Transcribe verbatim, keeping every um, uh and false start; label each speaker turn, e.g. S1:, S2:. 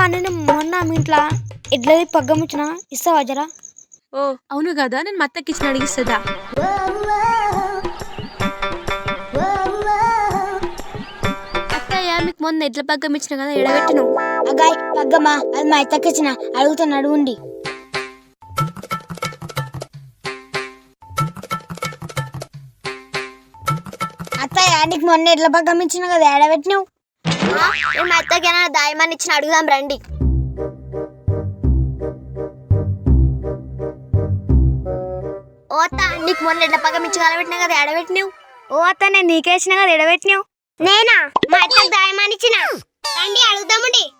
S1: నేను మొన్న మీ ఇంట్లో ఎడ్లది పగ్గం ఇచ్చిన ఇస్తావా జరా?
S2: ఓ అవును కదా, నేను మత్తకి ఇచ్చిన అడిగిస్తుందా? అత్తయ్య మీకు మొన్న ఎడ్ల పగ్గం ఇచ్చిన కదా, ఎడబెట్టిను?
S1: అగాయ్ పగ్గమా అది మా అత్తకి ఇచ్చిన, అడుగుతాను అడుగుండి. అత్తయ్య నీకు మొన్న ఎడ్ల పగ్గం ఇచ్చిన కదా, ఎడబెట్టినావు?
S3: మా అత్తకి దాయమని ఇచ్చిన, అడుగుదాం రండి. ఓ అత్త, నీకు మొన్న ఎడ్ల పగ్గం ఇచ్చి కలబెట్టినా కదా, ఎడబెట్టినావు?
S1: ఓ అత్త నేను నీకే ఇచ్చిన కదా, ఎడబెట్టినావు?
S3: నేనా? మా అత్తకి దాయమని ఇచ్చిన, రండి అడుగుదామండి.